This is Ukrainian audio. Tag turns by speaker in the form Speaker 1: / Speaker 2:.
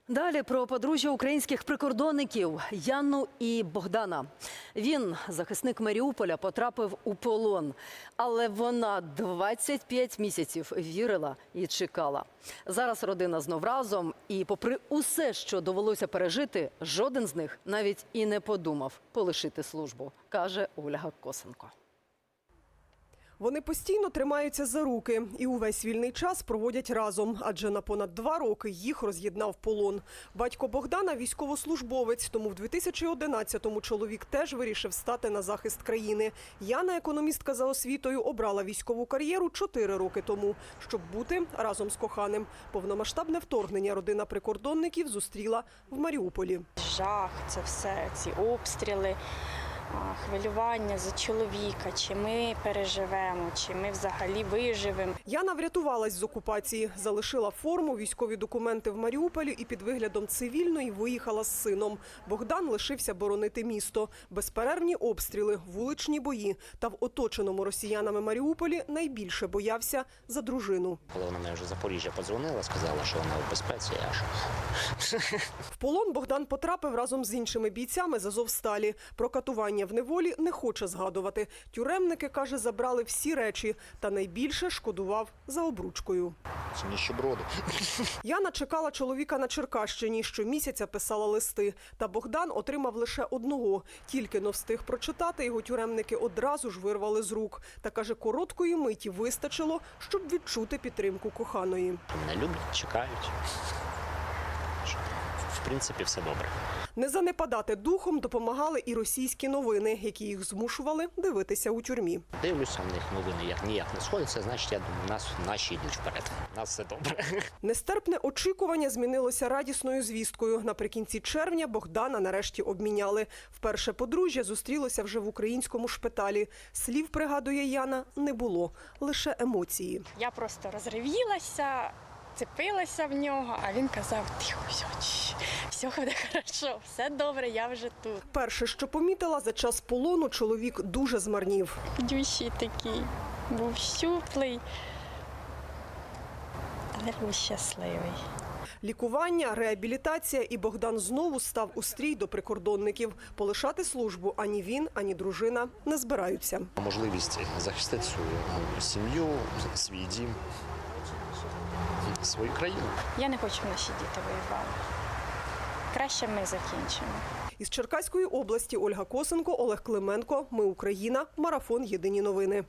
Speaker 1: Далі про подружжя українських прикордонників Яну і Богдана. Він, захисник Маріуполя, потрапив у полон. Але вона 25 місяців вірила і чекала. Зараз родина знов разом. І попри усе, що довелося пережити, жоден з них навіть і не подумав полишити службу, каже Ольга Косенко.
Speaker 2: Вони постійно тримаються за руки і увесь вільний час проводять разом, адже на понад 2 роки їх роз'єднав полон. Батько Богдана – військовослужбовець, тому в 2011-му чоловік теж вирішив стати на захист країни. Яна, економістка за освітою, обрала військову кар'єру 4 роки тому, щоб бути разом з коханим. Повномасштабне вторгнення родина прикордонників зустріла в Маріуполі.
Speaker 3: Жах, це все, ці обстріли. Хвилювання за чоловіка, чи ми переживемо, чи ми взагалі виживемо.
Speaker 2: Яна врятувалась з окупації, залишила форму, військові документи в Маріуполі і під виглядом цивільної виїхала з сином. Богдан лишився боронити місто. Безперервні обстріли, вуличні бої. Та в оточеному росіянами Маріуполі найбільше боявся за дружину.
Speaker 4: Коли вона мені вже з Запоріжжя подзвонила, сказала, що вона в безпеці, я аж...
Speaker 2: В полон Богдан потрапив разом з іншими бійцями з Азовсталі. Про катування в неволі не хоче згадувати. Тюремники, каже, забрали всі речі. Та найбільше шкодував за обручкою.
Speaker 4: Це ніщеброди.
Speaker 2: Яна чекала чоловіка на Черкащині. Щомісяця писала листи. Та Богдан отримав лише одного. Тільки но встиг прочитати, його тюремники одразу ж вирвали з рук. Та, каже, короткої миті вистачило, щоб відчути підтримку коханої.
Speaker 4: Мене люблять, чекають. В принципі, все добре.
Speaker 2: Не занепадати духом допомагали і російські новини, які їх змушували дивитися у тюрмі.
Speaker 4: Дивлюся, в них новини ніяк не сходяться, значить, я думаю, наші йдуть вперед. У нас все добре.
Speaker 2: Нестерпне очікування змінилося радісною звісткою. Наприкінці червня Богдана нарешті обміняли. Вперше подружжя зустрілося вже в українському шпиталі. Слів, пригадує Яна, не було, лише емоції.
Speaker 3: Я просто розривілася, цепилася в нього, а він казав: тихо, все буде хорошо, все добре, я вже тут.
Speaker 2: Перше, що помітила, за час полону чоловік дуже змарнів.
Speaker 3: Дющий такий, був щуплий, але був щасливий.
Speaker 2: Лікування, реабілітація, і Богдан знову став у стрій до прикордонників. Полишати службу ані він, ані дружина не збираються.
Speaker 4: Можливість захистити свою сім'ю, свій дім, свою країну.
Speaker 3: Я не хочу, щоб наші діти воювали. Краще ми закінчимо.
Speaker 2: Із Черкаської області Ольга Косенко, Олег Клименко. Ми Україна. Марафон. Єдині новини.